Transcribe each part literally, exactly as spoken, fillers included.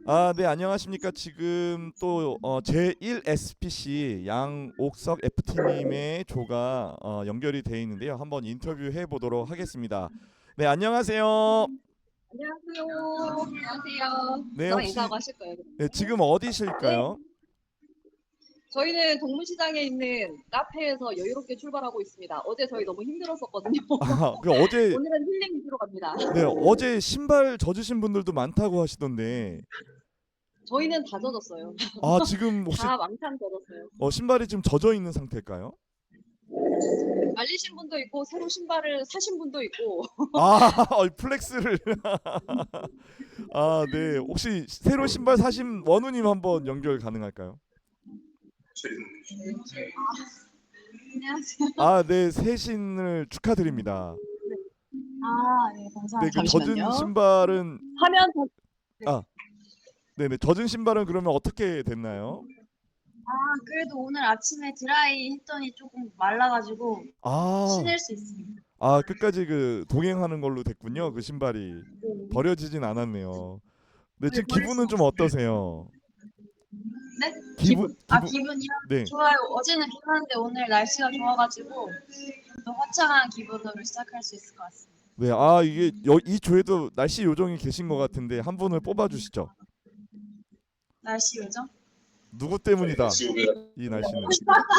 아, 네, 안녕하십니까. 지금 또 어, 제일 에스피씨 양옥석 에프티님의 조가 어, 연결이 돼 있는데요. 한번 인터뷰해 보도록 하겠습니다. 네, 안녕하세요. 안녕하세요. 안녕하세요. 네, 저랑 혹시 인사하고 하실 거예요, 네, 그러면? 지금 네. 어디실까요? 저희는 동문시장에 있는 카페에서 여유롭게 출발하고 있습니다. 어제 저희 너무 힘들었었거든요. 아, 그 어제 오늘은 힐링 위주로 갑니다. 네, 어제 신발 젖으신 분들도 많다고 하시던데. 저희는 다 젖었어요. 아, 지금 혹시 다 왕창 젖었어요. 어, 신발이 지금 젖어 있는 상태일까요? 말리신 분도 있고 새로 신발을 사신 분도 있고. 아, 어, 플렉스를 아, 네. 혹시 새로 신발 사신 원우님 한번 연결 가능할까요? 안녕하세요. 아, 네. 새신을 축하드립니다. 아, 네, 네, 감사합니다. 그 젖은 잠시만요. 신발은 화면 더. 네. 아, 네네. 젖은 신발은 그러면 어떻게 됐나요? 아, 그래도 오늘 아침에 드라이 했더니 조금 말라가지고 아, 신을 수 있습니다. 아, 끝까지 그 동행하는 걸로 됐군요. 그 신발이 네. 버려지진 않았네요. 네, 네, 지금 버릴 순 기분은 좀 없습니다. 어떠세요? 네? 기분 기분. 아, 기분 기분이요? 네. 좋아요. 어제는 비 왔는데 오늘 날씨가 좋아가지고 또 화창한 기분으로 시작할 수 있을 것 같습니다. 네. 아, 이게 여, 이 조에도 날씨 요정이 계신 것 같은데 한 분을 뽑아 주시죠. 날씨 요정? 누구 때문이다. 이 날씨는.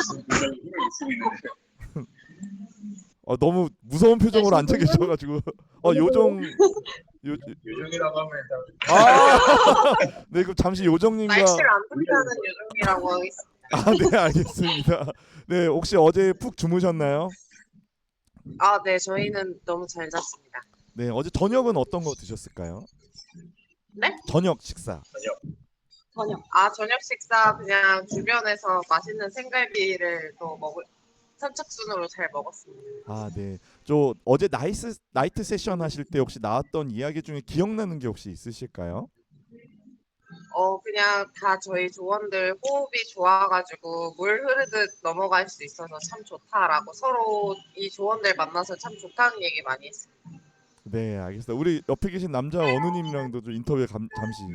어, 너무 무서운 표정으로 앉아 날씨는 계셔가지고 어 오늘도 요정 요 요정이라고 하면 아, 네, 그럼 잠시 요정님과 날씨를 안 탄다는 요정이라고 하겠습니다. 아, 네, 알겠습니다. 네, 혹시 어제 푹 주무셨나요? 아, 네, 저희는 너무 잘 잤습니다. 네, 어제 저녁은 어떤 거 드셨을까요? 네? 저녁 식사. 저녁. 아, 저녁 식사 그냥 주변에서 맛있는 생갈비를 또 먹을 선착순으로 잘 먹었습니다. 아, 네. 저 어제 나이스 나이트 세션 하실 때 혹시 나왔던 이야기 중에 기억나는 게 혹시 있으실까요? 어, 그냥 다 저희 조원들 호흡이 좋아가지고 물 흐르듯 넘어갈 수 있어서 참 좋다라고 서로 이 조원들 만나서 참 좋다는 얘기 많이 했습니다. 네, 알겠습니다. 우리 옆에 계신 남자 원우님이랑도 좀 인터뷰 감, 잠시.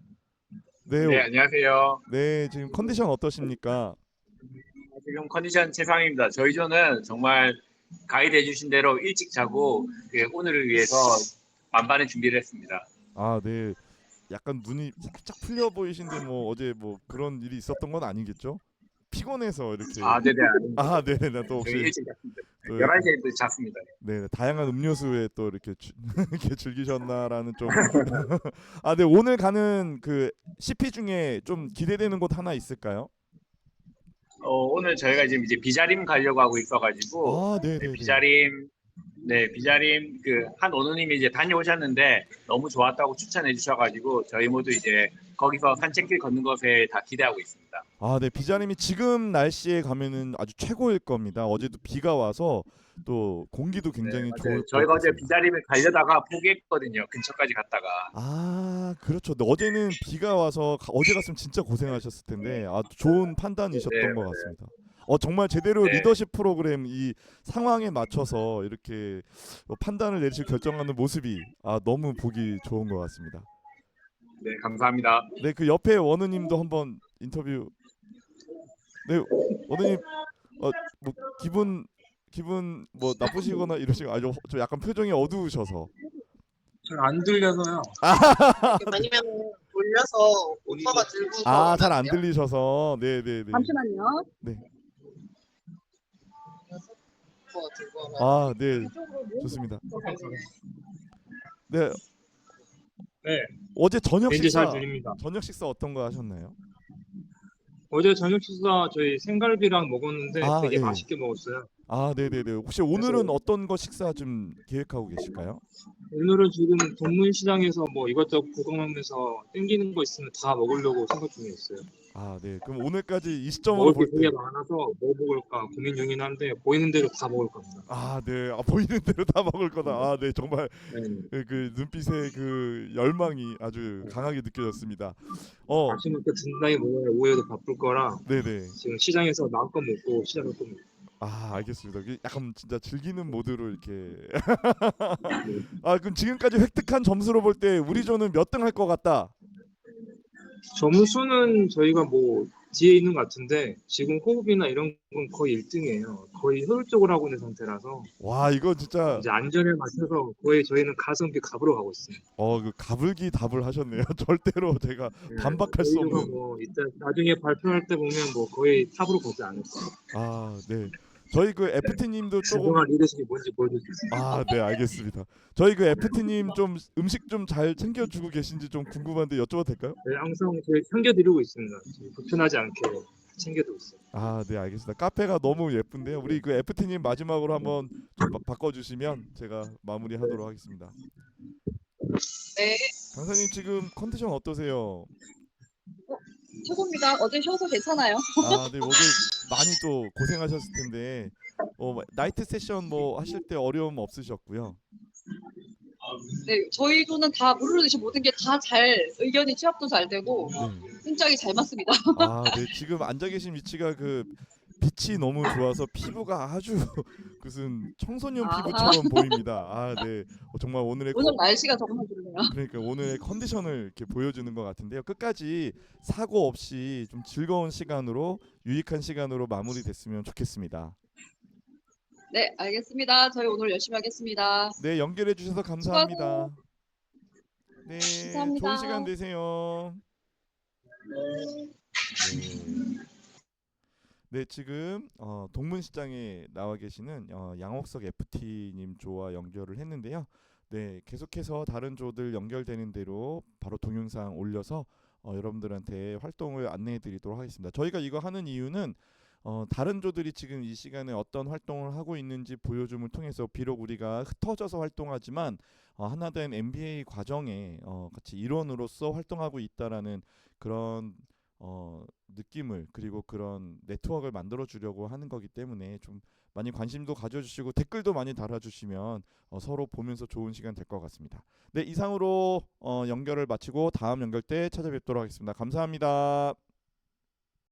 네, 네, 오- 안녕하세요. 네, 지금 컨디션 어떠십니까? 지금 컨디션 최상입니다. 저희 조는 정말 가이드 해주신 대로 일찍 자고 그 오늘을 위해서 만반의 준비를 했습니다. 아, 네. 약간 눈이 살짝 풀려 보이신데 뭐 어제 뭐 그런 일이 있었던 건 아니겠죠? 피곤해서 이렇게 아, 네네, 아닙니다. 아, 네네. 또 저희 혹시 일찍 잤습니다. 또 이렇게 열한 시에 또 잤습니다. 네, 다양한 음료수에 또 이렇게 주, 이렇게 즐기셨나라는 좀 아, 네. 오늘 가는 그 씨피 중에 좀 기대되는 곳 하나 있을까요? 어, 오늘 저희가 지금 이제 비자림 가려고 하고 있어가지고 아, 네, 네네네. 비자림 네, 비자림 그 한 오누님이 이제 다녀오셨는데 너무 좋았다고 추천해 주셔가지고 저희 모두 이제 거기서 산책길 걷는 것에 다 기대하고 있습니다. 아, 네. 비자림이 지금 날씨에 가면은 아주 최고일 겁니다. 어제도 비가 와서 또 공기도 네, 굉장히 맞아요. 좋을 것 저희가 어제 같습니다. 비자림을 가려다가 포기했거든요. 근처까지 갔다가. 아, 그렇죠. 근데 어제는 비가 와서 가- 어제 갔으면 진짜 고생하셨을 텐데 아, 좋은 네, 판단이셨던 것 맞아요. 같습니다. 어, 정말 제대로 네, 리더십 프로그램 이 상황에 맞춰서 이렇게 어, 판단을 내리실 결정하는 모습이 아, 너무 보기 좋은 것 같습니다. 네, 감사합니다. 네, 그 옆에 원우님도 한번 인터뷰. 네, 원우님, 어, 뭐 기분 기분 뭐 나쁘시거나 이러시고 아주 좀 약간 표정이 어두우셔서. 잘 안 들려서요. 아니면 돌려서 오빠가 들고 아, 걸으면 잘 안 안 돼요? 들리셔서. 네, 네, 네. 잠시만요. 네. 오빠가 들고 하면 안 아, 돼요? 네. 이쪽으로 좋습니다. 모여서. 네, 네, 어제 저녁 이제 잘 식사 들립니다. 저녁 식사 어떤 거 하셨나요? 어제 저녁 식사 저희 생갈비랑 먹었는데 아, 되게 예. 맛있게 먹었어요. 아, 네, 네, 네. 혹시 그래서 오늘은 어떤 거 식사 좀 계획하고 계실까요? 오늘은 지금 동문시장에서 뭐 이것저것 구경하면서 땡기는 거 있으면 다 먹으려고 생각 중에 있어요. 아, 네. 그럼 오늘까지 이 시점으로 먹을 게 볼 되게 때 많아서 뭐 먹을까 고민 중이긴 한데 보이는 대로 다 먹을 겁니다. 아, 네. 아, 보이는 대로 다 먹을 거다. 아, 네. 정말 네, 그, 그 눈빛의 그 열망이 아주 강하게 느껴졌습니다. 어, 아침부터 든든하게 먹어야 오후에도 바쁠 거라 네, 네. 지금 시장에서 마음껏 먹고 시작할 겁니다. 아, 알겠습니다. 그 약간 진짜 즐기는 모드로 이렇게 네. 아, 그럼 지금까지 획득한 점수로 볼 때 우리 조는 몇 등 할 것 같다. 점수는 저희가 뭐 뒤에 있는 것 같은데 지금 호흡이나 이런 건 거의 일 등이에요. 거의 효율적으로 하고 있는 상태라서 와 이거 진짜 이제 안전에 맞춰서 거의 저희는 가성비 갑으로 가고 있습니다. 어 그 가불기 답을 하셨네요. 절대로 제가 네, 반박할 수 저희가 없는. 뭐 이따 나중에 발표할 때 보면 뭐 거의 탑으로 보지 않을까. 아 네. 저희 그 에프티님도 조금 그동안 리더십이 뭔지 보여줄 수 있습니다. 아 네 알겠습니다. 저희 그 에프티님 좀 음식 좀 잘 챙겨주고 계신지 좀 궁금한데 여쭤봐도 될까요? 네, 항상 저희 챙겨드리고 있습니다. 저희 불편하지 않게 챙겨드리고 있어요. 아 네 알겠습니다. 카페가 너무 예쁜데요. 우리 그 에프티님 마지막으로 한번 좀 바, 바꿔주시면 제가 마무리하도록 하겠습니다. 네, 강사님 지금 컨디션 어떠세요? 최고입니다. 어제 쉬어서 괜찮아요. 아, 네, 어제 많이 또 고생하셨을 텐데 어, 뭐, 나이트 세션 뭐 하실 때 어려움 없으셨고요. 네, 저희도는 다 물르듯이 모든 게 다 잘 의견이 취합도 잘 되고 네. 승짝이 잘 맞습니다. 아, 네, 지금 앉아 계신 위치가 그 빛이 너무 좋아서 피부가 아주 무슨 청소년 아. 피부처럼 보입니다. 아, 네, 어, 정말 오늘의 오늘 컨- 날씨가 정말 좋네요. 그러니까 오늘의 컨디션을 이렇게 보여주는 것 같은데요. 끝까지 사고 없이 좀 즐거운 시간으로 유익한 시간으로 마무리됐으면 좋겠습니다. 네, 알겠습니다. 저희 오늘 열심히 하겠습니다. 네, 연결해 주셔서 감사합니다. 네, 감사합니다. 좋은 시간 되세요. 네. 네, 지금 어, 동문시장에 나와 계시는 어, 양옥석 에프티님 조와 연결을 했는데요. 네, 계속해서 다른 조들 연결되는 대로 바로 동영상 올려서 어, 여러분들한테 활동을 안내해드리도록 하겠습니다. 저희가 이거 하는 이유는 어, 다른 조들이 지금 이 시간에 어떤 활동을 하고 있는지 보여줌을 통해서 비록 우리가 흩어져서 활동하지만 어, 하나된 엠비에이 과정에 어, 같이 일원으로서 활동하고 있다라는 그런 어, 느낌을 그리고 그런 네트워크를 만들어 주려고 하는 거기 때문에 좀 많이 관심도 가져주시고 댓글도 많이 달아주시면 어, 서로 보면서 좋은 시간 될 것 같습니다. 네, 이상으로 어, 연결을 마치고 다음 연결 때 찾아뵙도록 하겠습니다. 감사합니다.